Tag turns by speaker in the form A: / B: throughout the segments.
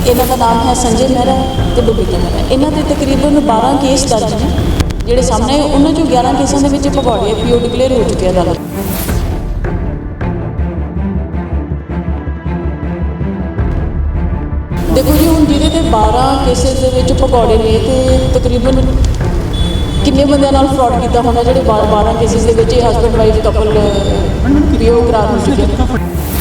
A: इन्हां दा नाम है संजय मेहरा ते बबीता मेहरा। इन्हां दे तकरीबन 12 केस दर्ज ने ਜਿਹੜੇ ਸਾਹਮਣੇ ਆਏ। ਉਹਨਾਂ 'ਚੋਂ 11 ਕੇਸਾਂ ਦੇ ਵਿੱਚ ਭਗੌੜੇ ਪੀਓ ਡਿਕਲੇਅਰ ਹੋ ਚੁੱਕੇ ਅਦਾਲਤ। ਦੇਖੋ ਜੀ, ਹੁਣ ਜਿਹਦੇ ਤੇ 12 ਕੇਸਿਸ ਦੇ ਵਿੱਚ ਭਗੌੜੇ ਨੇ ਤੇ ਤਕਰੀਬਨ ਕਿੰਨੇ ਬੰਦਿਆਂ ਨਾਲ ਫਰਾਡ ਕੀਤਾ ਹੋਣਾ ਜਿਹੜੇ 12 ਕੇਸਿਸ ਦੇ ਵਿੱਚ ਹਸਬੈਂਡ ਵਾਈਫ ਕਪਲ ਪੀਓ ਕਰਾਰ ਹੋ ਚੁੱਕੇ ਨੇ।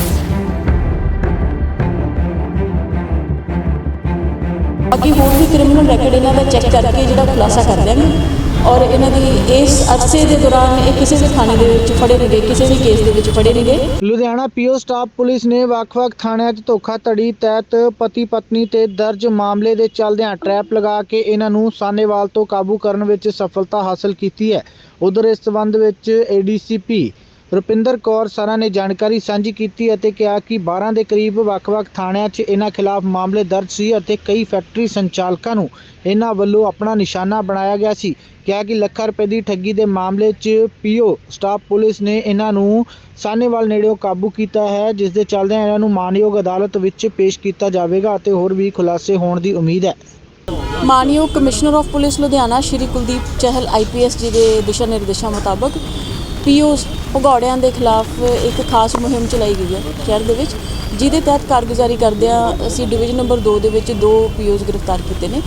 A: ਬਾਕੀ ਹੋਰ ਵੀ ਕ੍ਰਿਮੀਨਲ ਰੈਕਡ ਇਹਨਾਂ ਦਾ ਚੈੱਕ ਕਰਕੇ ਜਿਹੜਾ ਖੁਲਾਸਾ ਕਰ ਦਿਆਂਗੇ ਔਰ ਇਹਨਾਂ ਦੀ ਇਸ ਅਰਸੇ ਦੇ ਦੌਰਾਨ ਇਹ ਕਿਸੇ ਵੀ ਥਾਣੇ ਦੇ ਵਿੱਚ ਫੜੇ ਨਹੀਂ ਗਏ, ਕਿਸੇ ਵੀ ਕੇਸ ਦੇ ਵਿੱਚ ਫੜੇ ਨਹੀਂ ਗਏ।
B: ਲੁਧਿਆਣਾ ਪੀਓ ਸਟਾਫ ਪੁਲਿਸ ਨੇ ਵੱਖ-ਵੱਖ ਥਾਣਿਆਂ 'ਚ ਧੋਖਾਧੜੀ ਤਹਿਤ ਪਤੀ ਪਤਨੀ ਤੇ ਦਰਜ ਮਾਮਲੇ ਦੇ ਚੱਲਦਿਆਂ ਟਰੈਪ ਲਗਾ ਕੇ ਇਹਨਾਂ ਨੂੰ ਸਾਹਨੇਵਾਲ ਤੋਂ ਕਾਬੂ ਕਰਨ ਵਿੱਚ ਸਫਲਤਾ ਹਾਸਲ ਕੀਤੀ ਹੈ। ਉਧਰ ਇਸ ਸਬੰਧ ਵਿੱਚ ADCP ਰੁਪਿੰਦਰ ਕੌਰ ਸਰਾਂ ਨੇ ਜਾਣਕਾਰੀ ਸਾਂਝੀ ਕੀਤੀ ਅਤੇ ਕਿਹਾ ਕਿ 12 ਦੇ ਕਰੀਬ ਵੱਖ-ਵੱਖ ਥਾਣਿਆਂ 'ਚ ਇਹਨਾਂ ਖਿਲਾਫ ਮਾਮਲੇ ਦਰਜ ਸੀ ਅਤੇ ਕਈ ਫੈਕਟਰੀ ਸੰਚਾਲਕਾਂ ਨੂੰ ਇਹਨਾਂ ਵੱਲੋਂ ਆਪਣਾ ਨਿਸ਼ਾਨਾ ਬਣਾਇਆ ਗਿਆ ਸੀ। ਕਿਹਾ ਕਿ ਲੱਖਾਂ ਰੁਪਏ ਦੀ ਠੱਗੀ ਦੇ ਮਾਮਲੇ 'ਚ ਪੀਓ ਸਟਾਫ ਪੁਲਿਸ ਨੇ ਇਹਨਾਂ ਨੂੰ ਸਾਹਨੇਵਾਲ ਨੇੜਿਓਂ ਕਾਬੂ ਕੀਤਾ ਹੈ, ਜਿਸ ਦੇ ਚੱਲਦਿਆਂ ਇਹਨਾਂ ਨੂੰ ਮਾਨਯੋਗ ਅਦਾਲਤ ਵਿੱਚ ਪੇਸ਼ ਕੀਤਾ ਜਾਵੇਗਾ ਅਤੇ ਹੋਰ ਵੀ ਖੁਲਾਸੇ ਹੋਣ ਦੀ ਉਮੀਦ ਹੈ।
A: ਮਾਨਯੋਗ commissioner of police Ludhiana Shri Kuldeep Chahal IPS ji ਦੇ ਦਿਸ਼ਾ ਨਿਰਦੇਸ਼ਾਂ ਮੁਤਾਬਕ ਪੀਓ ਭਗੌੜਿਆਂ ਦੇ ਖਿਲਾਫ ਇੱਕ ਖਾਸ ਮੁਹਿੰਮ ਚਲਾਈ ਗਈ ਹੈ ਸ਼ਹਿਰ ਦੇ ਵਿੱਚ, ਜਿਹਦੇ ਤਹਿਤ ਕਾਰਗੁਜ਼ਾਰੀ ਕਰਦਿਆਂ ਅਸੀਂ ਡਿਵੀਜ਼ਨ ਨੰਬਰ 2 ਦੇ ਵਿੱਚ 2 POs ਗ੍ਰਿਫਤਾਰ ਕੀਤੇ ਨੇ।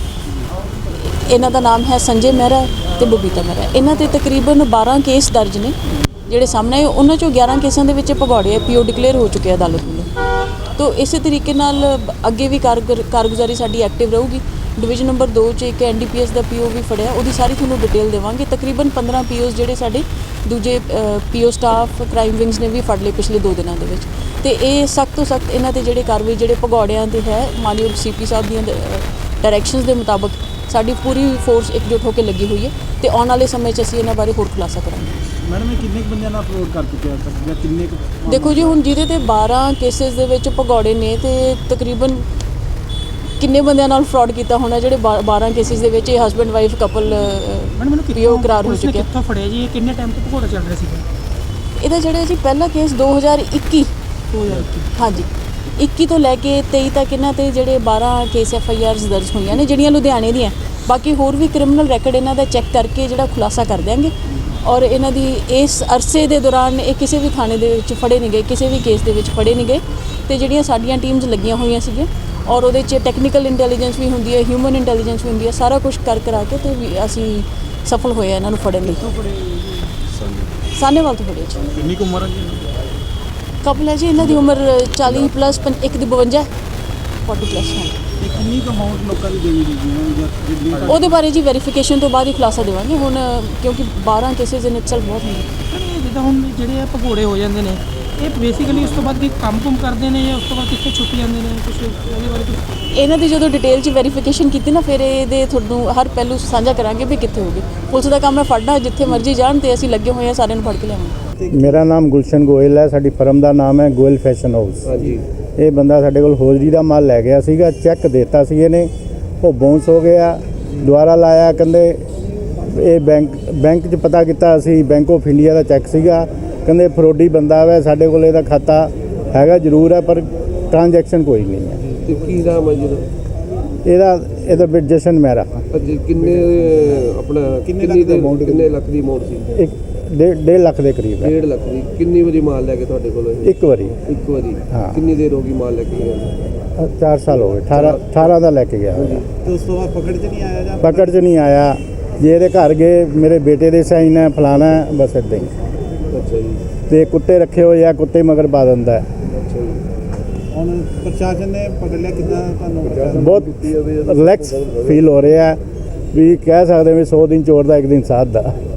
A: ਇਹਨਾਂ ਦਾ ਨਾਮ ਹੈ ਸੰਜੇ ਮਹਿਰਾ ਤੇ ਬਬੀਤਾ ਮਹਿਰਾ। ਇਹਨਾਂ ਤੇ ਤਕਰੀਬਨ 12 ਕੇਸ ਦਰਜ ਨੇ ਜਿਹੜੇ ਸਾਹਮਣੇ ਆਏ। ਉਹਨਾਂ 'ਚੋਂ 11 ਕੇਸਾਂ ਦੇ ਵਿੱਚ ਭਗੌੜੇ ਪੀਓ ਡਿਕਲੇਅਰ ਹੋ ਚੁੱਕੇ ਅਦਾਲਤ ਵੱਲੋਂ। ਤੋ ਇਸੇ ਤਰੀਕੇ ਨਾਲ ਅੱਗੇ ਵੀ ਕਾਰਗੁਜ਼ਾਰੀ ਸਾਡੀ ਐਕਟਿਵ ਰਹੂਗੀ। ਡਿਵੀਜ਼ਨ ਨੰਬਰ 2 'ਚ ਇੱਕ NDPS ਦਾ PO ਵੀ ਫੜਿਆ, ਉਹਦੀ ਸਾਰੀ ਤੁਹਾਨੂੰ ਡਿਟੇਲ ਦੇਵਾਂਗੇ। ਤਕਰੀਬਨ 15 POs ਜਿਹੜੇ ਸਾਡੇ ਦੂਜੇ PO ਸਟਾਫ ਕ੍ਰਾਈਮ ਵਿੰਗਸ ਨੇ ਵੀ ਫੜ ਲਏ ਪਿਛਲੇ 2 ਦਿਨਾਂ ਦੇ ਵਿੱਚ। ਤੇ ਇਹ ਸਖਤ ਤੋਂ ਸਖਤ ਇਹਨਾਂ ਤੇ ਜਿਹੜੇ ਕਾਰਵਾਈ ਜਿਹੜੇ ਭਗੌੜਿਆਂ ਤੇ ਹੈ, ਮਾਨਯੋਗ CP ਸਾਹਿਬ ਦੀਆਂ ਡਾਇਰੈਕਸ਼ਨਸ ਦੇ ਮੁਤਾਬਕ ਸਾਡੀ ਪੂਰੀ ਫੋਰਸ ਇਕਜੁੱਟ ਹੋ ਕੇ ਲੱਗੀ ਹੋਈ ਹੈ ਤੇ ਆਉਣ ਵਾਲੇ ਸਮੇਂ 'ਚ ਅਸੀਂ ਇਹਨਾਂ ਬਾਰੇ ਹੋਰ ਖੁਲਾਸਾ ਕਰਾਂਗੇ।
C: ਮੈਡਮ, ਇਹ ਕਿੰਨੇ ਬੰਦਿਆਂ ਨਾਲ ਫਰੋਡ ਕਰ ਚੁੱਕੇ ਆ ਜਾਂ ਕਿੰਨੇ?
A: ਦੇਖੋ ਜੀ, ਹੁਣ ਜਿਹਦੇ ਤੇ 12 ਕੇਸਿਸ ਦੇ ਵਿੱਚ ਭਗੌੜੇ ਨੇ ਤੇ ਤਕਰੀਬਨ ਕਿੰਨੇ ਬੰਦਿਆਂ ਨਾਲ ਫਰਾਡ ਕੀਤਾ ਹੋਣਾ ਜਿਹੜੇ 12 ਕੇਸਿਸ ਦੇ ਵਿੱਚ ਹਸਬੈਂਡ ਵਾਈਫ ਕਪਲ ਪੀਓ ਕਰਾਰ ਹੋ ਚੁੱਕੇ।
C: ਕਿੱਥੋਂ ਫੜਿਆ ਜੀ? ਕਿੰਨੇ ਟਾਈਮ ਤੋਂ ਭਗੌੜਾ ਚੱਲ ਰਿਹਾ ਸੀਗਾ
A: ਇਹਦਾ? ਜਿਹੜਾ ਜੀ ਪਹਿਲਾ ਕੇਸ 2021 ਹਾਂਜੀ 21 ਤੋਂ ਲੈ ਕੇ 23 ਤੱਕ ਇਹਨਾਂ ਤੇ ਜਿਹੜੇ 12 ਕੇਸ FIRs ਦਰਜ ਹੋਈਆਂ ਨੇ ਜਿਹੜੀਆਂ ਲੁਧਿਆਣੇ ਦੀਆਂ। ਬਾਕੀ ਹੋਰ ਵੀ ਕ੍ਰਿਮੀਨਲ ਰੈਕਡ ਇਹਨਾਂ ਦਾ ਚੈੱਕ ਕਰਕੇ ਜਿਹੜਾ ਖੁਲਾਸਾ ਕਰ ਦਿਆਂਗੇ ਔਰ ਇਹਨਾਂ ਦੀ ਇਸ ਅਰਸੇ ਦੇ ਦੌਰਾਨ ਇਹ ਕਿਸੇ ਵੀ ਥਾਣੇ ਦੇ ਵਿੱਚ ਫੜੇ ਨਹੀਂ ਗਏ, ਕਿਸੇ ਵੀ ਕੇਸ ਦੇ ਵਿੱਚ ਫੜੇ ਨਹੀਂ ਗਏ। ਤੇ ਜਿਹੜੀਆਂ ਸਾਡੀਆਂ ਟੀਮਸ ਲੱਗੀਆਂ ਹੋਈਆਂ ਸੀਗੀਆਂ ਔਰ ਉਹਦੇ 'ਚ ਟੈਕਨੀਕਲ ਇੰਟੈਲੀਜੈਂਸ ਵੀ ਹੁੰਦੀ ਹੈ, ਹਿਊਮਨ ਇੰਟੈਲੀਜੈਂਸ ਵੀ ਹੁੰਦੀ ਹੈ, ਸਾਰਾ ਕੁਝ ਕਰਾ ਕੇ ਤੇ ਅਸੀਂ ਸਫਲ ਹੋਏ ਇਹਨਾਂ ਨੂੰ ਫੜਨ ਲਈ। ਸਾਹਨੇਵਾਲ ਤੋਂ ਫੜੇ ਜੀ।
C: ਕਿੰਨੀ ਕੁ ਉਮਰ ਹੈ ਜੀ?
A: ਕਪਲ ਹੈ ਜੀ, ਇਹਨਾਂ ਦੀ ਉਮਰ 40 ਪਲੱਸ, ਇੱਕ ਦੀ 52, 40 ਪਲੱਸ ਹੈ।
C: ਕਿੰਨੀ ਕੁ ਅਮਾਊਂਟ ਲੋਕਾਂ ਦੀ ਦੇਣੀ ਜੀ?
A: ਉਹਦੇ ਬਾਰੇ ਜੀ ਵੈਰੀਫਿਕੇਸ਼ਨ ਤੋਂ ਬਾਅਦ ਹੀ ਖੁਲਾਸਾ ਦੇਵਾਂਗੇ ਹੁਣ, ਕਿਉਂਕਿ 12 ਕੇਸਿਸ ਇਨ ਇਟਸੈਲਫ ਬਹੁਤ ਨੇ।
D: ਜਿੱਦਾਂ ਹੁਣ ਜਿਹੜੇ ਆ ਭਗੌੜੇ ਹੋ ਜਾਂਦੇ ਨੇ, ਇਹ ਬੇਸਿਕਲੀ ਉਸ ਤੋਂ ਬਾਅਦ ਕੀ ਕੰਮ ਕਰਦੇ ਨੇ ਜਾਂ ਉਸ ਤੋਂ ਬਾਅਦ ਕਿੱਥੇ ਛੁੱਟ ਜਾਂਦੇ ਨੇ? ਕੁਝ ਉਹਦੇ ਬਾਰੇ
A: ਇਹਨਾਂ ਦੀ ਜਦੋਂ ਡਿਟੇਲ 'ਚ ਵੈਰੀਫਿਕੇਸ਼ਨ ਕੀਤੀ ਨਾ, ਫਿਰ ਇਹਦੇ ਤੁਹਾਨੂੰ ਹਰ ਪਹਿਲੂ ਸਾਂਝਾ ਕਰਾਂਗੇ ਵੀ ਕਿੱਥੇ ਹੋਗੇ। ਪੁਲਿਸ ਦਾ ਕੰਮ ਹੈ ਫੜਨਾ, ਜਿੱਥੇ ਮਰਜ਼ੀ ਜਾਣ ਤੇ ਅਸੀਂ ਲੱਗੇ ਹੋਏ ਹਾਂ ਸਾਰਿਆਂ ਨੂੰ ਫੜ ਕੇ ਲਿਆਵਾਂਗੇ।
E: ਮੇਰਾ ਨਾਮ ਗੁਲਸ਼ਨ ਗੋਇਲ ਹੈ, ਸਾਡੀ ਫਰਮ ਦਾ ਨਾਮ ਹੈ ਗੋਇਲ ਫੈਸ਼ਨ ਹਾਊਸ। ਹਾਂਜੀ, ਇਹ ਬੰਦਾ ਸਾਡੇ ਕੋਲ ਹੋਜਰੀ ਦਾ ਮਾਲ ਲੈ ਗਿਆ ਸੀਗਾ, ਚੈੱਕ ਦਿੱਤਾ ਸੀ ਇਹਨੇ, ਉਹ ਬਾਉਂਸ ਹੋ ਗਿਆ। ਦੁਬਾਰਾ ਲਾਇਆ, ਕਹਿੰਦੇ ਇਹ ਬੈਂਕ 'ਚ ਪਤਾ ਕੀਤਾ ਅਸੀਂ, ਬੈਂਕ ਆਫ ਇੰਡੀਆ ਦਾ ਚੈੱਕ ਸੀਗਾ, ਕਹਿੰਦੇ ਫਰੋਡੀ ਬੰਦਾ ਵਾ, ਸਾਡੇ ਕੋਲ ਇਹਦਾ ਖਾਤਾ ਹੈਗਾ ਜ਼ਰੂਰ ਹੈ ਪਰ ਟ੍ਰਾਂਜੈਕਸ਼ਨ ਕੋਈ ਨਹੀਂ ਹੈ।
F: ਤੇ ਕੀ ਨਾਮ ਹੈ ਜੀ
E: ਇਹਦਾ ਜਸ਼ਨ ਮਹਿਰਾ।
F: ਕਿੰਨੇ ਆਪਣਾ ਕਿੰਨੇ ਲੱਖ ਦੀ ਅਮਾਉਂਟ ਸੀ?
E: 1.5 ਲੱਖ ਦੇ ਕਰੀਬ ਹੈ।
F: 1.5 ਲੱਖ ਦੀ। ਕਿੰਨੀ ਵਾਰੀ ਮਾਲ ਲੈ ਕੇ ਤੁਹਾਡੇ ਕੋਲ?
E: ਇੱਕ ਵਾਰੀ।
F: ਹਾਂ। ਕਿੰਨੀ ਦੇਰ ਹੋ ਗਈ ਮਾਲ ਲੈ ਕੇ ਗਏ?
E: 4 ਸਾਲ ਹੋ ਗਏ। 18 ਦਾ ਲੈ ਕੇ ਗਿਆ।
C: ਤੇ ਉਸ ਤੋਂ ਬਾਅਦ ਪਕੜ 'ਚ ਨਹੀਂ ਆਇਆ?
E: ਪਕੜ 'ਚ ਨਹੀਂ ਆਇਆ। ਜੇ ਇਹਦੇ ਘਰ ਗਏ, ਮੇਰੇ ਬੇਟੇ ਦੇ ਸਾਈਨ ਹੈ, ਫਲਾਣਾ ਹੈ, ਬਸ ਇੱਦਾਂ ਹੀ।
F: ਅੱਛਾ ਜੀ।
E: ਤੇ ਕੁੱਤੇ ਰੱਖੇ ਹੋਏ ਆ, ਕੁੱਤੇ ਮਗਰ ਪਾ ਦਿੰਦਾ ਹੈ।
F: ਅੱਛਾ ਜੀ।
C: ਹੁਣ ਪ੍ਰਸ਼ਾਸਨ ਨੇ ਪਕੜ ਲਿਆ, ਕਿੱਦਾਂ ਤੁਹਾਨੂੰ?
E: ਬਹੁਤ ਰਿਲੈਕਸ ਫੀਲ ਹੋ ਰਿਹਾ ਵੀ ਕਹਿ ਸਕਦੇ ਵੀ 100 ਦਿਨ ਚੋਰ ਦਾ 1 ਦਿਨ ਸਾਧ ਦਾ।